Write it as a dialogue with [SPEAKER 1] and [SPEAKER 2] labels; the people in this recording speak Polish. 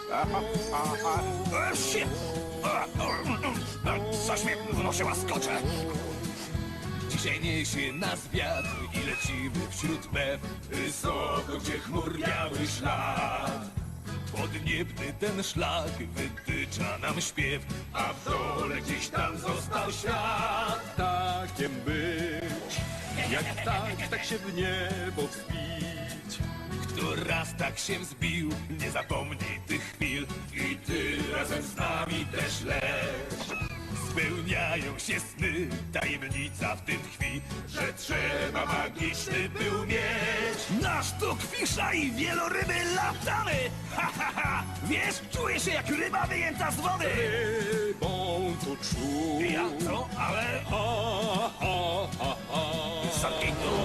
[SPEAKER 1] Shit! Coś mnie wnosiła skocze. Dzisiaj niesie nas wiatr i lecimy wśród mew, wysoko, gdzie chmur biały szlak. Podniebny ten szlak wytycza nam śpiew, a w dole gdzieś tam został świat.
[SPEAKER 2] Takiem być, jak tak się w niebo wspić.
[SPEAKER 1] Kto raz tak się wzbił, nie zapomni tych chwil. I ty razem z nami też leć. Spełniają się sny, tajemnica w tym tkwi, że trzeba magiczny był mieć. Nasz tu kwisza i wieloryby latamy. Ha, ha, ha. Wiesz, czuję się jak ryba wyjęta z wody.
[SPEAKER 2] Rybą tu czuł.
[SPEAKER 1] Ja to, ale...
[SPEAKER 2] Ha, ha, ha, ha.
[SPEAKER 1] Zamknij to.